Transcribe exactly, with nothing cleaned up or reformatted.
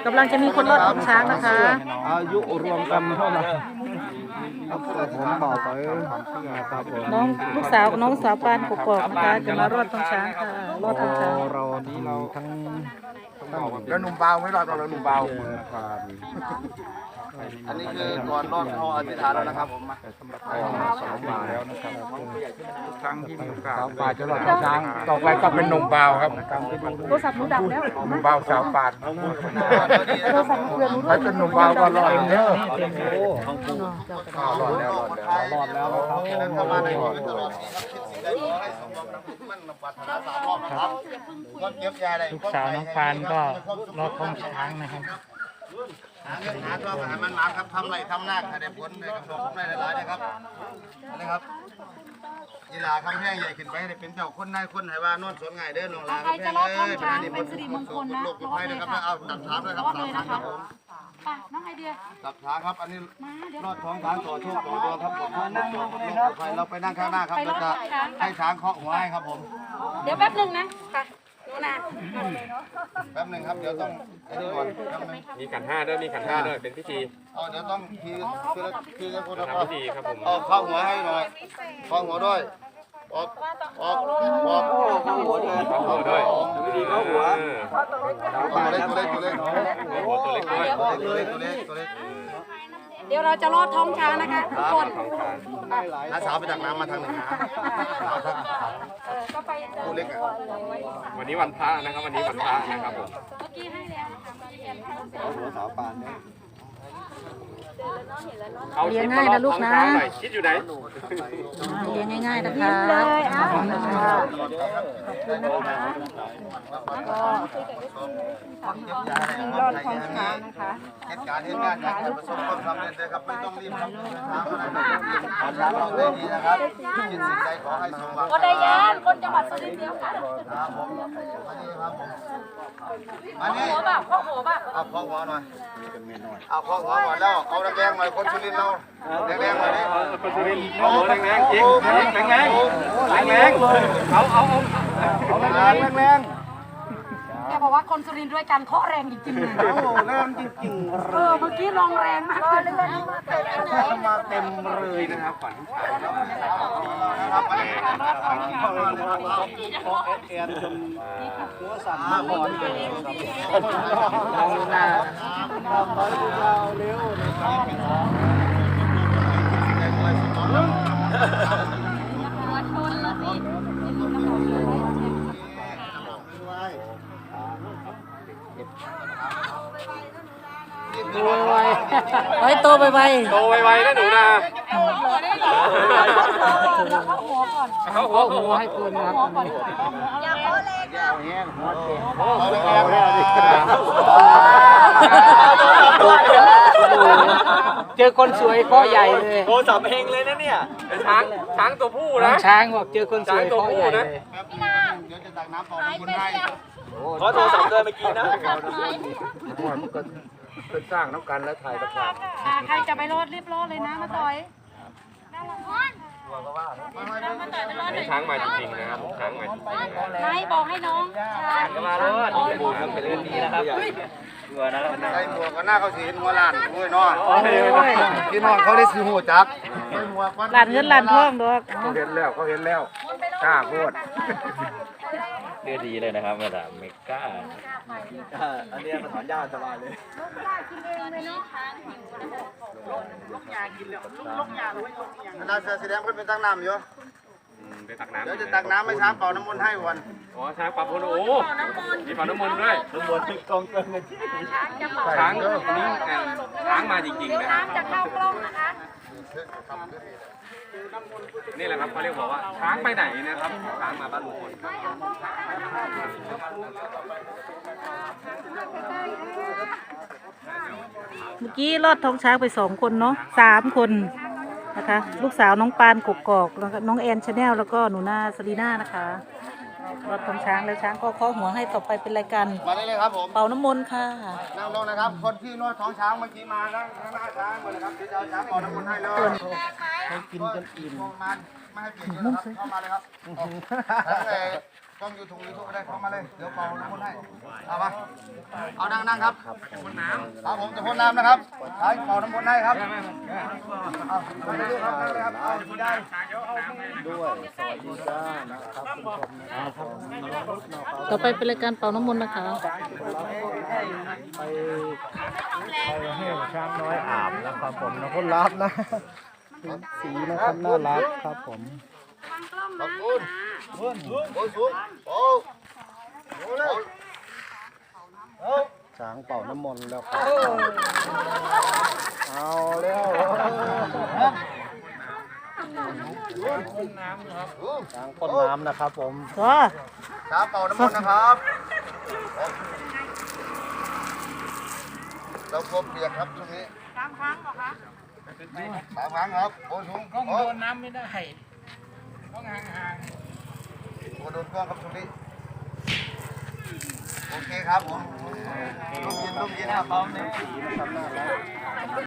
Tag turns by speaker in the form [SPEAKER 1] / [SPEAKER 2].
[SPEAKER 1] กำลังจะมีคนรอดของช้างนะคะ
[SPEAKER 2] อายุรวมกันเท่าไหร่ครับผมบอกไปครับผม
[SPEAKER 1] น้องลูกสาวกับน้องสาวปานกกอกนะคะจะมารอดของช้างค่ะรอดของช้าง
[SPEAKER 2] เรานี้เราทั้ง
[SPEAKER 3] แล้วหนุ่มเบาไม่รอดเราแล้วหนุ่มเบาอันนี้คือก่อนรอดเขาอธิษฐานแล้วนะครับผมมา
[SPEAKER 2] สองมาแล้วนะครับ
[SPEAKER 3] ครั้งที่มีโอกาส
[SPEAKER 2] สาวป่าจะรอดช้างต่อไปก็เป็นหนุ่มเบาครับ
[SPEAKER 1] โทรศัพท์หนูดับแล้ว
[SPEAKER 2] หนุ่มเบาสาวป่า
[SPEAKER 1] โทรศัพท์เพื่อนหนู
[SPEAKER 2] ถ้าเป็นหนุ่มเบาก็รอดเด้อ
[SPEAKER 3] รอดแล้วรอดแล้วรอดแล้วครับเข้ามาในชีวิตตลอดนี้ครับคิดสิ่งใดขอให้สมหวังดังมั่นนำปัตนาสามรอบครับความเก็บยาอะไรลูกสาวน้องปานก็รอดท้องช้างนะครับหาเงินหาทองหามันมาครับทำไรทำหน้าให้ได้ผลได้กำไรผมได้หลายๆนะครับนี่ครับกีฬาคำแพงใหญ่ขึ้นไปให้ได้เป็นเจ้าคนนายคนไหว่านวดสวนง่ายเด้อน้องลาคำแพงเอ้ยเป็นอันนี้เป็นสิริมงคลนะโลกภัยนะครับเอาตัดช้างด้วยครับสามครั้งครับผม
[SPEAKER 4] น้องไอเดีย
[SPEAKER 3] ตัดช้างครับอันนี้รอดท้องช้างต่อโชคต่อดวงครับผมนั่งลงเลยครับเราไปนั่งข้างหน้าครับเราจะให้ช้างเคาะหัวให้ครับผม
[SPEAKER 4] เดี๋ยวแป๊บหนึ่งนะค่ะหนูนะ
[SPEAKER 3] แป๊บหนึ่งครับเดี๋ยวต้องไอ้นี่ก่อน
[SPEAKER 5] มีขันห้าด้วยมีขันห้าด้วยเป็นพิธี
[SPEAKER 3] เอาเดี๋ยวต้องคือคือคือคนละ
[SPEAKER 5] พิธีครับผม
[SPEAKER 3] เอาเข้าหัวให้หน่อยเข้าหัวด้วยออกออกออกเข้าหัวด้วย
[SPEAKER 5] เข้าหัวด้วยพิธีเข้าหัว
[SPEAKER 3] ตัวเล็กตัวเล็กตัวเล็ก
[SPEAKER 5] ตัวเล็กด้วย
[SPEAKER 3] ตัวเล็กตัวเล็กตัวเล็ก
[SPEAKER 4] เดี๋ยวเราจะรอดท้องช้างนะคะทุกคน
[SPEAKER 3] น้าสาวไปตักน้ำมาทางหนึ่งนะ
[SPEAKER 4] ก็ไป
[SPEAKER 3] ตัวเล็กอ่ะ
[SPEAKER 5] วันนี้วันพระนะครับวันนี้วันพระนะครับผม
[SPEAKER 4] เมื่อกี้ให้แล้วนะคะ
[SPEAKER 3] หัวสาวปานเนี่ย
[SPEAKER 1] เลี้ยงง่ายนะลูกนะ
[SPEAKER 5] คิดอยู่ไหน
[SPEAKER 1] เลี้ยงง่ายๆนะคะ
[SPEAKER 4] เลยอ่ะ
[SPEAKER 3] รอดท้องช้างนะคะเหตุการณ์เหตุการณ์อยากจะประสบความสำเร็จเลยครับไม่ต้องรีบครับช้างอะไรช้างเราได้ดีนะครับคิดสิ่งใดขอให้สมหวัง
[SPEAKER 4] ก็ได้ยานคนจังหวัดสุรินทร์เดียวกัน
[SPEAKER 3] ครับผมมานี่ครับผมมานี่
[SPEAKER 4] หัวแบบข้อหัวแบบ
[SPEAKER 3] เอาข้อหัวหน่อยเอาข้อหัวก่อนแล้วเอาแดงๆหน่อยคนสุรินทร์เราแดงๆหน่อยดิ
[SPEAKER 5] คนสุรินทร์โอ้แดงๆจริงแดงๆแดงๆแดงๆเลยเอาเอาเอา
[SPEAKER 3] เอาแรงแรง
[SPEAKER 4] แกบอกว่าคนสุรินทร์ด้วยกันเคาะแรงจริงๆเลย
[SPEAKER 3] โอ้แรงจริงๆ
[SPEAKER 4] เออเมื่อกี้ลองแรงมากเลย
[SPEAKER 3] มาเต็มเลยนะครับฝันนะครับแอนจนหัวสั่นมาก่อนเลยเราหน้าเราเร็ว
[SPEAKER 1] โตไวไว้โตไปไว
[SPEAKER 5] โตไวๆนะหนูนะ
[SPEAKER 1] เขาหัวหัวให้คุณนะครับ
[SPEAKER 4] อย่าโคแรงอ่ะ
[SPEAKER 3] แห้งหัวเต็มเอาแรงแล้วดิ
[SPEAKER 1] เจอคนสวยข้อใหญ่เลย
[SPEAKER 5] โอ้สับเองเลยนะเนี่ยช้างช้างตัวผู้นะ
[SPEAKER 1] ช้างบอกเจอคนสวยข้อใหญ่เลย
[SPEAKER 3] เดี๋ยวจะตักน้ำต่อคุณให้
[SPEAKER 5] ขอโทรศัพท์เลยเมื่อกี้นะ
[SPEAKER 2] เป็นสร้างน้ำกันและถ่ายประกาศ
[SPEAKER 4] ใครจะไปรอดรีบรอดเลยนะมาต่อย
[SPEAKER 5] ช้างมาจริงๆนะครับช้างมาจริงๆ
[SPEAKER 4] ไม่บอกให้น้องช้าง
[SPEAKER 5] มารอดบูครับเป็นเรื่องนี้นะครับหัวนะ
[SPEAKER 3] ใส่หมวกกันหน้าเขาสีหัวล้านหัวน้อยพี่น้องเขาได้สีหัวจับ
[SPEAKER 1] หลานเงินหลานทองดอก
[SPEAKER 2] เขาเห็นแล้วเขาเห็นแล้วกล้าพูด
[SPEAKER 5] เรื่องดีเลยนะครับมาดามเมก้า
[SPEAKER 3] อันนี้มาถอนหญ้าสบายเลยลูกยากินเลยลูกยาเลยลูกยานาเสือสีแดงเพิ่นเป็นตักน้ำอยู่
[SPEAKER 5] ไปตักน้ำ
[SPEAKER 3] เดี๋ยวจะตักน้ำให้ช้างเป่าน้ำมนต์ให้วัน
[SPEAKER 5] อ๋อช้างเป่าน้ำมนต์โอ้มีเป่าน้ำมนต์ด้วย
[SPEAKER 3] น้ำมนต์กองเกินเลย
[SPEAKER 5] ช้างนี่ช้างมาจริงๆนะ
[SPEAKER 4] น้ำจะเข้ากล้องนะคะ
[SPEAKER 5] นี่แหละครับเขาเรียกบอกว่าช้างไปไหนนะครับช้างมาบ้านลุงพล
[SPEAKER 1] เมื่อกี้รอดท้องช้างไปสองคนเนาะสามคนนะคะลูกสาวน้องปานกกอกแล้วก็น้องแอนชาแนลแล้วก็หนูนาสลีน่านะคะรอดท้องช้างแล้วช้างก็เคาะหัวให้ต่อไปเป็นรายการ
[SPEAKER 3] มาได้เลยครับผม
[SPEAKER 1] เป่าน้ำมนต์ค่ะ
[SPEAKER 3] นั่งลงนะครับคนที่นวดท้องช้างเมื่อกี้มานั่งหน้าช้างเลยนะครับที่จะช้างเป่าน้ำมนต์ให้เลยเขากินจนอิ่มมาไม่ให้เปลี่ยนเยอะครับเข้ามาเลยครับทั้ง
[SPEAKER 2] กล้องยูทูบยูทูบได้เข้ามาเลยเดี๋ยวเป่าน้ำมนต์ให้เอามาเอานั่งนั่งครับครับผมจะพ่นน้ำนะครับใช้เป่าน้ำมนต์ให้ครับเอาไปเลยครับนั่งเลยครับเอาได้ด้วยสวัสดีจ้านะครับคุณผู้ชมนะครับ
[SPEAKER 1] ต่อไปเป็นรายการเป่าน้ำมนต์นะคะ
[SPEAKER 2] ไปไปให้ช้างน้อยอาบนะครับผมนะคนรับนะสีนะครับน่ารักครับผมขอบคุณโอ้โหสูงโอ้โหเลยช้างเป่าน้ำมนต์แล้วครับเอาแล้วช้างพ่นน้ำนะครับผม
[SPEAKER 1] ก็
[SPEAKER 2] ช้างเป่าน้ำมนต์นะครับเราควบเปียกครับช่วงนี้สามครั้งเหรอคะสามครั้งครับโอ้สูง
[SPEAKER 3] กล้องโดนน้ำไม่ได้ต้องห่างๆ
[SPEAKER 2] โอ้โดนกล้องครับช่วงนี้โอเคครับผมลมเย็นลมเย็นครับพร้อมเลย